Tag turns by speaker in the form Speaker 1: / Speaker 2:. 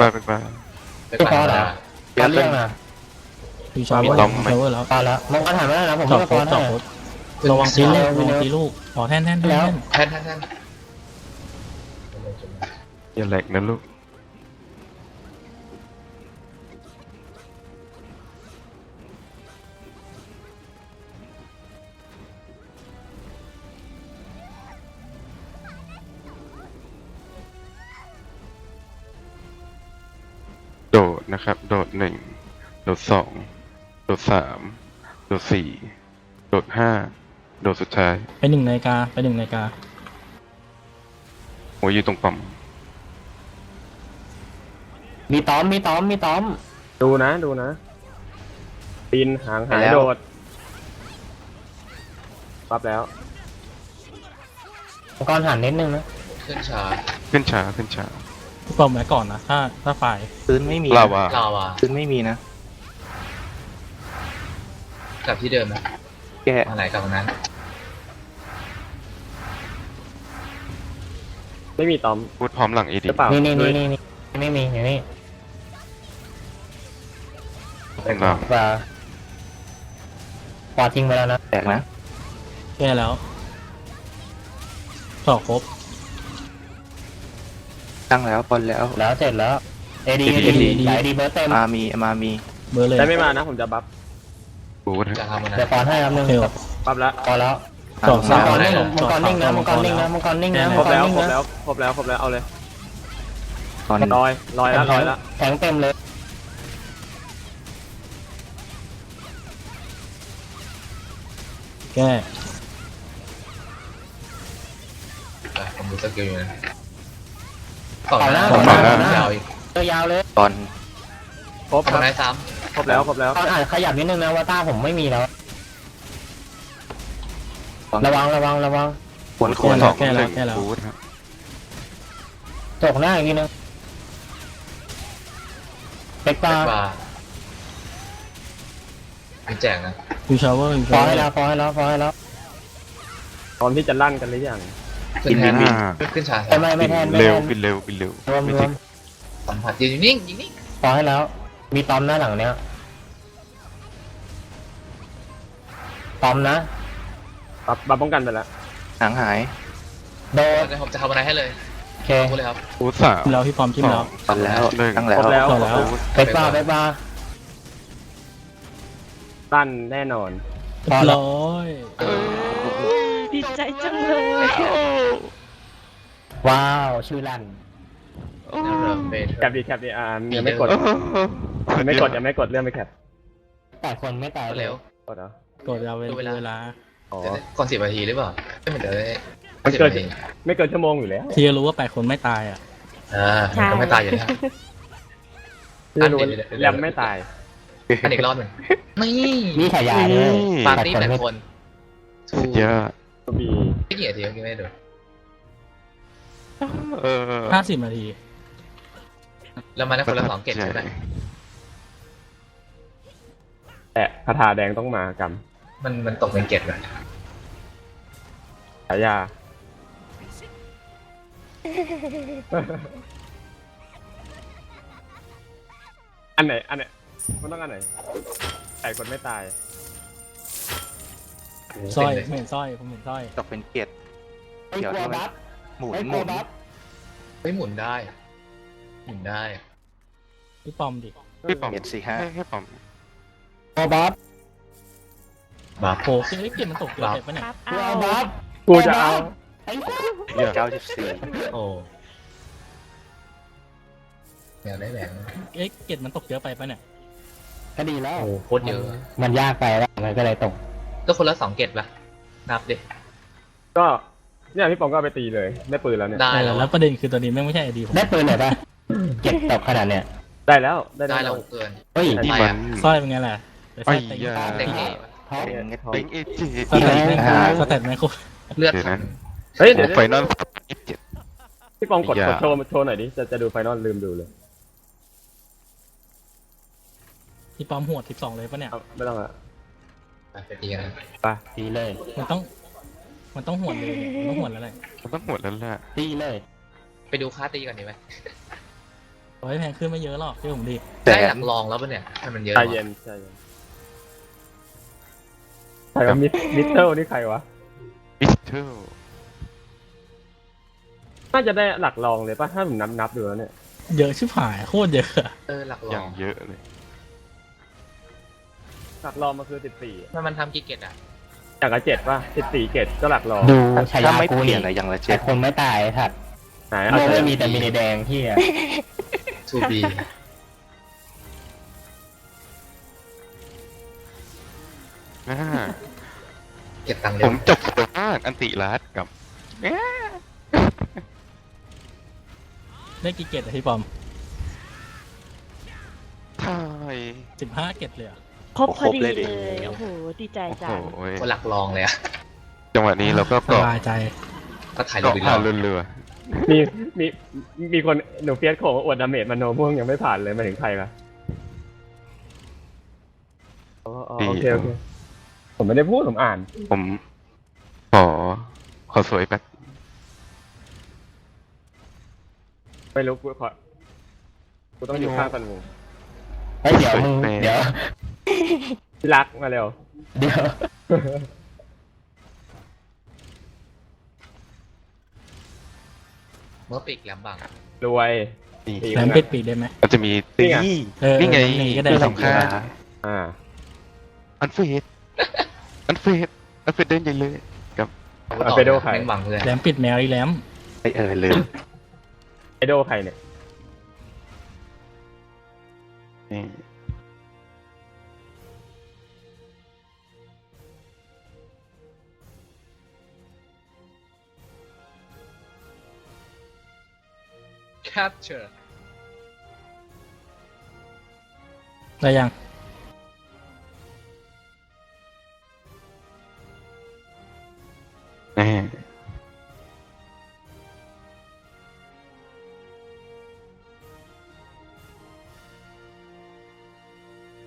Speaker 1: บ้าเป็นบ้า
Speaker 2: ไปก่อนเหรอ
Speaker 3: เดี๋ยวเรื่องนะ
Speaker 4: พี่ชาวเวอร์แล้ว
Speaker 3: พอแล้วมองกันหันมาแล้วนะผม
Speaker 4: จอด
Speaker 3: ไม่
Speaker 4: โค
Speaker 3: พอ
Speaker 4: ตร
Speaker 3: แน่
Speaker 4: จอดโคตรระวังตีลูกระวังตีลูกขอแท่น
Speaker 2: แทน
Speaker 1: อย่าแหลกนะลูกโดดนะครับโดด1โดด2โดด3โดด4โดด5โดดสุดท้าย
Speaker 4: ไป1 นาฬิกา
Speaker 1: โอ้ยอยู่ตรงปั๊ม
Speaker 3: มีต้อม
Speaker 5: ดูนะปีนหางหายโดดปั๊บแล้ว
Speaker 3: มังกรหันนิดนึงนะ
Speaker 2: ขึ้นช้า
Speaker 1: ขึ้นช้า
Speaker 4: พี่ปอมไว้ก่อนนะถ้าฝ่าย
Speaker 3: พื้นไม่มี
Speaker 1: ลาวา
Speaker 2: ลาวา
Speaker 3: พื้นไม่มีนะ
Speaker 2: กลับที่เดิมนะ
Speaker 3: แก
Speaker 2: ทางไหนกลับทางนั้น
Speaker 5: ไม่มีตอม
Speaker 1: พูดพร้อมหลังเอ
Speaker 5: ห
Speaker 1: ดี
Speaker 5: รือเปล่า
Speaker 3: นี่
Speaker 5: ด้วย
Speaker 3: ไม่มีอย่างนี้
Speaker 1: ลาว
Speaker 3: ปอทิ้งไปแล้วนะแตกนะ
Speaker 4: แก้แล้วจอดครบ
Speaker 3: ตั้งแล้วบอลแล้วเสร็จแล้วเอดีไหลดีเบิร์ตเต็มมามี
Speaker 4: เบอร์เลย
Speaker 5: ได้ไม่มานะผมจะบัฟ
Speaker 1: พูด
Speaker 2: จะทำอะไร
Speaker 3: เดี๋ยวปอนให้ครับนึง
Speaker 4: เทล
Speaker 5: ปั๊บแล้ว
Speaker 3: พอแล้ว
Speaker 4: จอด
Speaker 3: มั
Speaker 4: สาง ม
Speaker 3: กรนิ่งมังกรนิ่งนะ
Speaker 5: ครบแล้วเอาเลยลอยแล้ว
Speaker 3: แทงเต็มเลย
Speaker 4: แก้
Speaker 2: ผมดูสกิลอยู่นะต่อ
Speaker 3: ต่อห
Speaker 2: ห
Speaker 3: น้า
Speaker 2: น้ายาวอีก
Speaker 3: ยาวเลยบอล
Speaker 5: ครบค
Speaker 2: ทำ
Speaker 5: รับ
Speaker 2: ไหนซ้
Speaker 5: ครบแล้ว
Speaker 3: ตอนอ่านขยับนิดนึงนะว่าต้าผมไม่มีแล้วระวัง
Speaker 1: ควร2 1พูดครับ
Speaker 3: ตกหน้าอีกนิดนึงเบ็ก
Speaker 2: ำ
Speaker 3: ตา
Speaker 2: บาร์มีแจกนะ
Speaker 4: พี่ชาวเวอร์
Speaker 3: พอให้แล้ว
Speaker 5: ตอนที่จะลั่นกันหรือยัง
Speaker 2: ขึ้นแทนขึ้นช้า
Speaker 3: ไม่แทน
Speaker 1: เร็วบินเร็ว
Speaker 3: รวม
Speaker 2: สัมผัสยืนนิ่งยิงนิ่ง
Speaker 3: พอให้แล้ว มีตอมหน้าหลังเนี้ยตอมนะ
Speaker 5: บัฟป้องกันไปแล้ว
Speaker 3: หางหาย โดด
Speaker 2: ผมจะทำอะไรให้เลย
Speaker 3: โอเค
Speaker 2: พูดเลยครับ
Speaker 1: พูด
Speaker 4: จิ้มแล้วพี่ปอมจิ้มแล้ว
Speaker 3: ตอนแล้วตั้ง
Speaker 5: ค
Speaker 3: แล้
Speaker 5: ร
Speaker 3: ว
Speaker 5: บแล้ว
Speaker 4: ต่อแล้ว
Speaker 3: เบ็กตา
Speaker 5: ลั่นแน่นอน
Speaker 4: เรียบร้อย
Speaker 6: ดีใจจังเลย
Speaker 3: ว้าวชื่อลั่น
Speaker 5: แคปดียังไม่กดยังไม่กดเลื่อนไปแคป
Speaker 3: แต่คนไม่ตาย
Speaker 2: เร็ว
Speaker 5: กดเหรอก
Speaker 4: ดยาวเวลา
Speaker 5: อ๋อ
Speaker 2: ก่อน10 นาทีหรือเปล่าไม่เหมือนเดิม
Speaker 5: มันเกินไม่เกินชั่วโมงอยู่แล้ว
Speaker 4: ที่รู้ว่า8 คนไม่ตายอ่ะ
Speaker 2: ก็ไม่ตายอยู่แล้ว
Speaker 5: ที่รู้แรมไม่ตาย
Speaker 2: อันอีกรอบหนึ่งนี่
Speaker 3: นี่ฉายาเลย
Speaker 2: ปาร์ตี้8 คนทู
Speaker 1: เยอะ
Speaker 5: ก็มี
Speaker 2: ไม่กี่นาทีเมื่อกี้ไม่ดู
Speaker 4: 50 นาที
Speaker 2: แล้วมาได้คนละ2 เกตใช่ไหม
Speaker 5: แต่คาถาแดงต้องมากรรม
Speaker 2: มันตกเป็นเกตเลย
Speaker 5: ฉายาอันไหนมันต้องอันไหนไก่คนไม่ตาย
Speaker 4: สร้อยผมเห็นสร้อย
Speaker 3: ตกเป็นเกียรติเดี๋ยวบัฟหมุน
Speaker 2: ไม่หมุนได้หมุนได้
Speaker 4: พี่ปอมดิ
Speaker 1: พี่ปอม
Speaker 3: เกียรติ4-5
Speaker 1: ให้ปอม
Speaker 3: บัฟ
Speaker 2: บาร์
Speaker 4: โอ้ยเกมมันตกเยอะไปปะเนี่ย
Speaker 6: ครับ
Speaker 3: บัฟ
Speaker 5: กูจะเอา
Speaker 3: 94
Speaker 2: โอ้อยากได้แหวน
Speaker 4: เกมมันตกเยอะไปปะเนี่ย
Speaker 3: ก็ดีแล้ว
Speaker 2: โอ้โคตรเยอะ
Speaker 3: มันยากไปแล้วมันก็เลยตก
Speaker 2: ก็คนละ2 เกตป่ะนับดิ
Speaker 5: ก็เนี่ยพี่ปองก็เอาไปตีเลยได้ปืนแล้วเนี่ย
Speaker 2: ได้แล้ว
Speaker 4: แล้วประเด็นคือตอนนี้แม่งไม่ใช่ไอดีผม
Speaker 3: ได้ปืนหน่อยป่ะเก็บตกขนาดเนี้ย
Speaker 5: ได้แล้วได้
Speaker 2: ได้
Speaker 5: แล้
Speaker 2: แล้ว วเกิน
Speaker 3: เฮ้ย
Speaker 1: นี่มัน
Speaker 4: สร้อยเป็นไงล่ะแต่สร้อยเต็ง
Speaker 2: เด็กเอ๋
Speaker 3: ท้อง
Speaker 1: เต็งเอเจ
Speaker 4: สเตตแม่งสเตตแม่งโคตร
Speaker 2: เลือด
Speaker 1: เดี๋ยวนะ
Speaker 5: เฮ้ย
Speaker 1: โอ้
Speaker 5: เดี๋ยว
Speaker 1: ไฟนอล27
Speaker 5: พี่ปองกดโชว์หน่อยดิจะดูไฟนอลลืมดูเลย
Speaker 4: พี่ปอมหัว12เลยปะเนี่ย
Speaker 5: ไม่ต้องละ
Speaker 2: ไปตีกัน
Speaker 5: ไป
Speaker 3: ตีเลย
Speaker 4: มันต้องหวดเลยมันต้องหวดแล้วแหละ
Speaker 1: มันต้องหมดแล้วแหละ
Speaker 3: ตีเลย
Speaker 2: ไปดูค่าตีก่อนดีไหม
Speaker 4: ร้อยแพงขึ้นไม่เยอะหรอกที่ผมดิ
Speaker 2: ได้หลักรองแล้วปะเนี่ยให้มันเยอะ
Speaker 5: ใจ
Speaker 2: หรอ
Speaker 5: เย็นใจเย็นใครวะมิสเตอร์นี่ใครวะ
Speaker 1: มิสเตอร์
Speaker 5: น่าจะได้หลักรองเลยป่ะถ้าผมนับดูแล้วเนี่ย
Speaker 4: เยอะชิบหายโคตรเยอะอะ
Speaker 2: หลักร
Speaker 1: อ
Speaker 2: อย่าง
Speaker 1: เยอะเลย
Speaker 5: หลักรองมันคือ14
Speaker 2: ถ้ามันทำกี่เกตอ่ะ
Speaker 5: อย่างละ7ป่ะ14เกตก็หลักรอง
Speaker 3: ดูฉายา
Speaker 7: ถ้าไม่
Speaker 3: กู
Speaker 7: เปลี่
Speaker 3: นี่
Speaker 7: ยนอะไรอย่างละ
Speaker 3: แต่
Speaker 7: เจ็ด
Speaker 3: คนไม่ตายถัด
Speaker 5: ไหน
Speaker 3: โล
Speaker 5: เอา
Speaker 3: ก
Speaker 5: เธ
Speaker 3: ไม่
Speaker 5: อ
Speaker 3: มีแต่มีในแดงที่อะ
Speaker 2: ทูบีเก็บตังค์
Speaker 1: ผ
Speaker 2: เร็ว
Speaker 1: มจบตัวมากอันติรัสกับ
Speaker 4: ได้กี่เกตอะพี่ปอม
Speaker 1: ทาย
Speaker 4: 15 เกตเลยอะ
Speaker 6: ครบพอดีเลย โอ้โห ดีใจ
Speaker 1: โอ้
Speaker 6: จั
Speaker 1: โห
Speaker 6: ง
Speaker 2: คนหลักรองเลยอะ
Speaker 1: จังหวะนี้เราก็
Speaker 4: ส
Speaker 1: เกาะ
Speaker 4: บายใจ
Speaker 2: ก็ถ่ายรู
Speaker 1: เกาะ
Speaker 2: ปอีกร
Speaker 1: ผ่า
Speaker 2: อน บ
Speaker 1: เรือ
Speaker 5: มีมีมีคนหนูเฟียสโขอวดดาเมจมาโนม่วงยังไม่ผ่านเลยมาถึงใครละอ๋อโอเคผมไม่ได้พูดผมอ่าน
Speaker 1: ผมขอสวยแป๊บ
Speaker 5: ไม่รู้กูต้องอยู่ข้างกันวง
Speaker 3: เฮ้ยเดี๋ยวมึงเดี๋ยว
Speaker 5: ที่รักมาเร็ว
Speaker 3: เดี๋ยว
Speaker 2: เมื่อปีกแหลมบัง
Speaker 5: รวย
Speaker 1: นี่
Speaker 5: ปีก
Speaker 4: แหลมปิดปีกได้ไหม
Speaker 1: มันจะมีตี นี่ไง
Speaker 4: นี่ก็ได้
Speaker 1: คือ
Speaker 4: ส
Speaker 1: ส
Speaker 4: อง
Speaker 1: ำ
Speaker 4: ข้า
Speaker 1: คัญ
Speaker 5: อ่า
Speaker 1: อันเฟดอันเฟดเดินใหญ่เลยกับ
Speaker 5: เอาไปดูใคร
Speaker 2: แม่งบังเพื่อน
Speaker 4: แหลมปิดแมวอีแหลม
Speaker 7: ลืม
Speaker 5: ไอโดใครเนี่ย
Speaker 1: นี่
Speaker 2: แคปเจอร์
Speaker 4: ได้ยัง
Speaker 1: แน่